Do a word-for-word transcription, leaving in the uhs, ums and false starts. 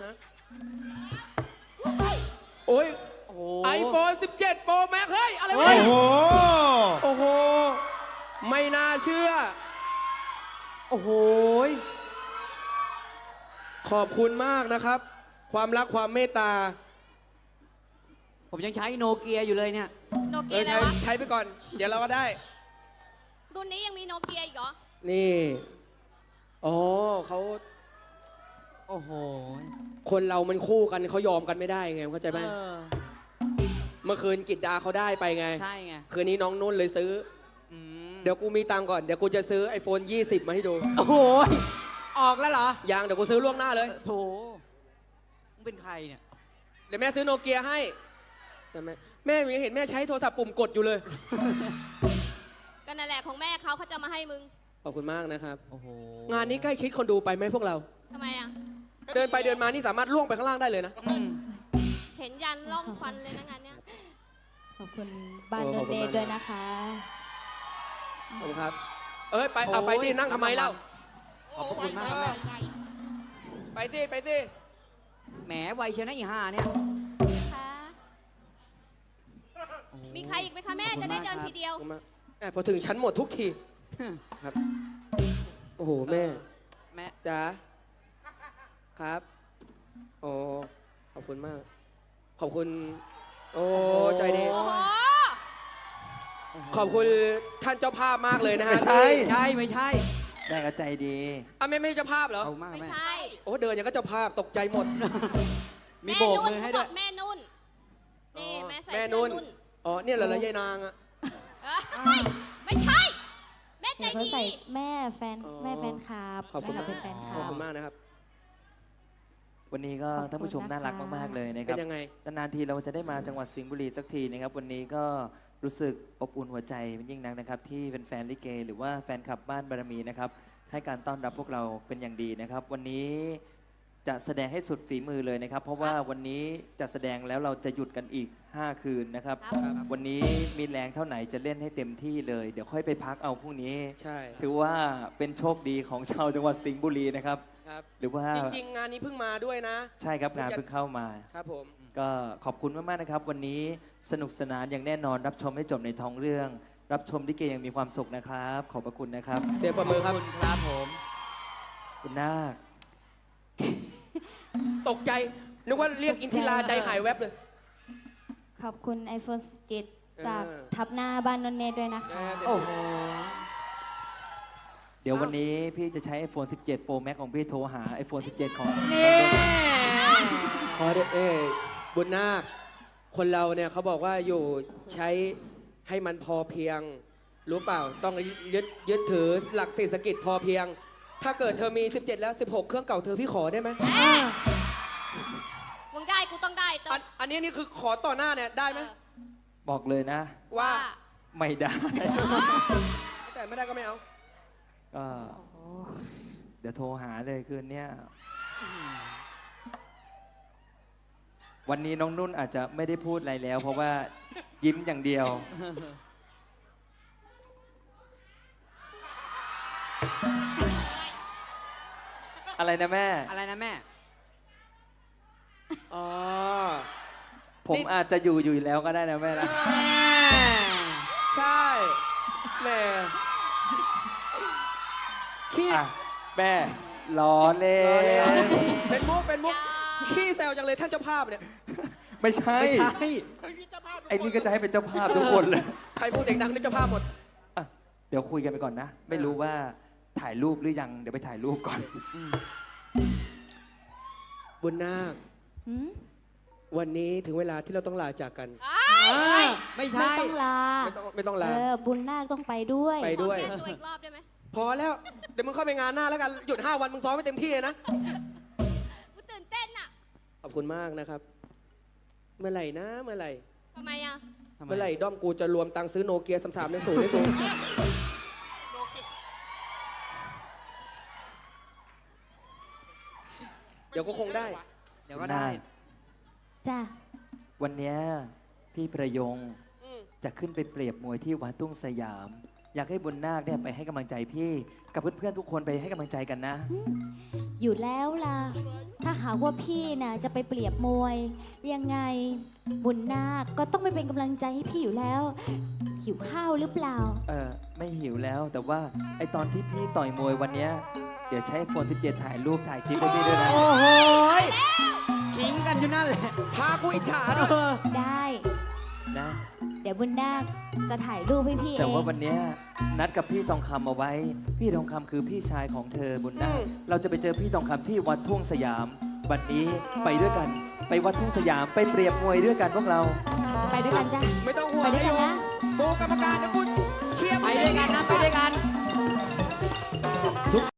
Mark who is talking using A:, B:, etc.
A: โอ้ย
B: โอ้โห
A: ไอโฟนสิบเจ็ด Pro Max เฮ้ย อะไร
B: เฮ้
A: วะ
B: ย
C: โอ้โห
A: โอ้โห ไม่น่าเชื่อ
B: โอ้โห
A: ขอบคุณมากนะครับ ความรักความเมตตา
B: ผมยังใช้โนเกียอยู่เลยเนี่ย
D: โน
A: เอ
D: เกีย
A: อ
D: อะไร
A: ใช้
D: วะ
A: ใช้ไปก่อน เดี๋ยวเราก็ได้
D: รุ่นนี้ยังมีโนเกียอีกเหรอ
A: นี่ อ๋อเขา
B: โอ้โห
A: คนเรามันคู่กันเขายอมกันไม่ได้ไงเข้าใจไหม
B: เออ
A: เมื่อคืนกิจดาเขาได้ไปไง
B: ใช่ไง
A: คืนนี้น้องนุ่นเลยซื้อ
B: อืม
A: เดี๋ยวกูมีตังค์ก่อน เดี๋ยวกูจะซื้อ ไอโฟนยี่สิบ มาให้ดู
B: โอ้โห ออกแล้วเหรอ
A: ยังเดี๋ยวกูซื้อล่วงหน้าเลย
B: โถมึงเป็นใครเนี่ย
A: เดี๋ยวแม่ซื้อโนเกียให้ใช่ไหมแม่ยังเห็นแม่ใช้โทรศัพท์ปุ่มกดอยู่เลย
D: ก็นั่นแหละของแม่เขาเขาจะมาให้มึง
A: ขอบคุณมากนะครับ
B: โอ้โห
A: งานนี้ใกล้ชิดคนดูไปไหมพวกเรา
D: ทำไมอ่ะ
A: เดินไปเดินมานี่สามารถล่วงไปข้างล่างได้เลยนะ
B: อืม
D: เห็นยันล่องฟันเลยนะงานเนี้ย
E: ขอบคุณบ้าน
A: โอ้
E: โน
A: ขอบคุ
E: เน
A: ณมาก
E: ด้วยนะคะ
A: ขอบคุณครับ เอ้ยไปเอาไปดินั่งทำไมเล่า
B: ขอบพระคุณมากครับแม่
A: ไปสิไปสิ
B: แหมไวเชียวนะอีห่าเนี่ย
D: คะมีใครอีกไหมคะแม่จะได้เดินทีเดียว
A: ขอบคุณมากแอบพอถึงชั้นหมดทุกทีครับ โอ้โหแม่
B: แม่
A: จ๋าครับโอ้ขอบคุณมาก ขอบคุณ โอ้ใจดี
D: โอ้โห
A: ขอบคุณท่านเจ้าภาพมากเลยนะฮะ
C: ไม่ใช่
B: ใช่ไม่ใช่
C: แม่ก็ใจดี
A: อ่ะแม่ไม่ใช่เจ้าภาพเหรอ
B: เอามาก
D: ไม่
B: แม่
D: ใช่
A: โอ้เดินอย่างก็เจ้าภาพตกใจหมด
B: มี
D: แม่
B: โบก
D: นุ่น
B: มือให้
D: เขาบ
B: ด้ว
D: อย กแม่นุ่น นี่แม่ใส่
A: แม่
D: เสื้อ
A: นุ่น
D: นุ่น
A: อ๋อเนี่ยเหรอละยายนางอะ
D: เอ้ยไม่ใช่ แม่ใจ
E: เดี๋ยวเขา
D: ดี
E: ใส่แม่แฟน
A: อ๋อ
E: แม่แฟนคลับ
A: ขอบคุณ
E: แม่เป็นแฟนค
A: ข
E: ลั
A: อบบ คุณมากนะครับ
C: วันนี้ก็
E: ขอบคุณ
C: ท่านผู้ชม
E: นะคะ
C: น่ารักมากๆเลยนะค
A: เป็
C: รับ
A: นยังไง
C: นานๆทีเราจะได้มาจังหวัดสิงห์บุรีสักทีนะครับ วันนี้ก็รู้สึกอบอุ่นหัวใจเป็นยิ่งนักนะครับ ที่เป็นแฟนลิเก หรือว่าแฟนคลับบ้านบารมีนะครับ ให้การต้อนรับพวกเราเป็นอย่างดีนะครับ วันนี้จะแสดงให้สุดฝีมือเลยนะครับ เพราะว่าวันนี้จะแสดงแล้วเราจะหยุดกันอีก ห้า คืนนะครับ
D: ครับ
C: วันนี้มีแรงเท่าไหนจะเล่นให้เต็มที่เลย เดี๋ยวค่อยไปพักเอาพรุ่งนี้
A: ใช่
C: ถือว่าเป็นโชคดีของชาวจังหวัดสิงห์บุรีนะครับ
A: ครับ
C: หรือว่า
A: จริงๆ งานนี้เพิ่งมาด้วยนะ
C: ใช่ครับงานเพิ่งเข้ามา
A: ครับผม
C: ก็ขอบคุณมากๆนะครับ วันนี้สนุกสนานอย่างแน่นอนรับชมให้จบในท้องเรื่อง รับชมลิเกยังมีความสุขนะครับ ขอบพระคุณนะครับ
A: เสียงประมือครับ
B: ขอบคุณครับผม
C: คุณนาค
A: ตกใจ นึกว่าเรียกอินทิราใจหายแวบเลย
E: ขอบคุณ ไอโฟน สิบเจ็ด จาก
A: เออ
E: ทับหน้าบ้านโนเนด้วยนะคะ
B: โอ้โห
C: เดี๋ยววันนี้พี่จะใช้ ไอโฟน สิบเจ็ด Pro Max ของพี่โทรหา ไอโฟน สิบเจ็ด ของ
B: นี่
A: ขอเดเอ้ยบุญนาค คนเราเนี่ยเขาบอกว่าอยู่ใช้ให้มันพอเพียง รู้เปล่า ต้องยึดยึดถือหลักเศรษฐกิจพอเพียง ถ้าเกิดเธอมี สิบเจ็ด แล้ว สิบหก เครื่องเก่าเธอพี่ขอได้ไหม
D: มึงได้กูต้องได้ต้
A: อั
D: น
A: นอันนี้นี่คือขอต่อหน้าเนี่ยได้ไหม
D: เออ
C: บอกเลยนะ
A: ว่า
C: ไม่ได้
A: แต่ไม่ได้ก็ไม่เอา
C: ก็เดี๋ยวโทรหาเลยคืนเนี้ยวันนี้น้องนุ่นอาจจะไม่ได้พูดอะไรแล้ว เพราะว่ายิ้มอย่างเดียว อะไรนะแม่
B: อะไรนะแม่
A: อ๋อ
C: ผม
A: นี่
C: อาจจะอยู่อยู่แล้วก็ได้นะแม่นะ
A: ใช่แหม่ขี้
C: อ่ะแม่ล้อเล่
A: รอเลย
C: น
A: เป็นมุกเป็นมุก
D: อย่า
A: ขี้แซวจังเลยท่านเจ้าภาพเนี่ย
C: ไม่ใช่
B: ไม่ใช่
C: ไอ้นี่ก็จะให้เป็นเจ้าภาพทุกคนเลย
A: ใครพูดเสียงดังนี่เจ้าภาพหมด
C: อ่ะเดี๋ยวคุยกันไปก่อนนะ ไม่รู้ว่าถ่ายรูปหรือยัง เดี๋ยวไปถ่ายรูปก่อน
A: บุญนาค
E: หืม
A: วันนี้ถึงเวลาที่เราต้องลาจากกัน
D: อ้าย
B: ไม่
E: ไม่
B: ใช่
E: ต้องลา
A: ไม่ต้องไม่ต้อง
E: เอ
A: ลา
E: อ บุญนาคต้องไปด้วย
A: ไป ด้วย
D: ขอแก้ตัวอีกรอบได้ไหม
A: พอแล้ว เดี๋ยวมึงเข้าไปงานหน้าแล้วกัน หยุดห้าวันมึงซ้อมไม่เต็มที่เลยนะ
D: กูตื่นเต้นอ่ะ
A: ขอบคุณมากนะครับ เมื่อไหร่นะ เมื่อไหร่
D: ทำไมอ่ะ
B: ทำไม
A: เมื่อไหร่ด้อมกูจะรวมตังค์ซื้อโนเกียสามสามในศูนย์ให้กู เดี๋ยวก็คงได้
B: เดี๋ยวก็ได้
E: จ้ะ
C: วันเนี้ยพี่ประยง
A: อืม
C: จะขึ้นไปเปรียบมวยที่วัดตุ้งสยามอยากให้บุญนาคเนี่ยไปให้กำลังใจพี่กับเพื่อนๆทุกคนไปให้กำลังใจกันนะ
E: อยู่แล้วล่ะ ถ้าหากว่าพี่น่ะจะไปเปรียบมวย ยังไงบุญนาคก็ต้องไปเป็นกำลังใจให้พี่อยู่แล้ว หิวข้าวหรือเปล่า
C: เออไม่หิวแล้วแต่ว่าไอตอนที่พี่ต่อยมวยวันเนี้ยเดี๋ยวใช้โฟนสิบเจ็ดถ่ายรูปถ่ายคลิปให้พี่ด้วยนะ
B: โอ้โหยขิงกันอยู่นั่นแหละ
A: พากูอิจฉาด้วย
B: เออ
E: ได้
C: นะ
E: เดี๋ยวบุญนาคจะถ่ายรูปให้พี่เอ
C: แต่ว่าง วันเนี้ยนัดกับพี่ทองคำเอาไว้ พี่ทองคำคือพี่ชายของเธอบุญนาคเราจะไปเจอพี่ทองคำที่วัดทุ่งสยามบัดนี้ไปด้วยกัน ไปวัดทุ่งสยามไปเปรียบมวยด้วยกันพวกเรา
E: ไปด้วยกันจ้ะ
A: ไม่ต้องห่วง
E: ไปด้วยกันนะ
A: กูกรรมการนะกูเชียร์
B: ไปด้วยกันนะ ไปด้วยกัน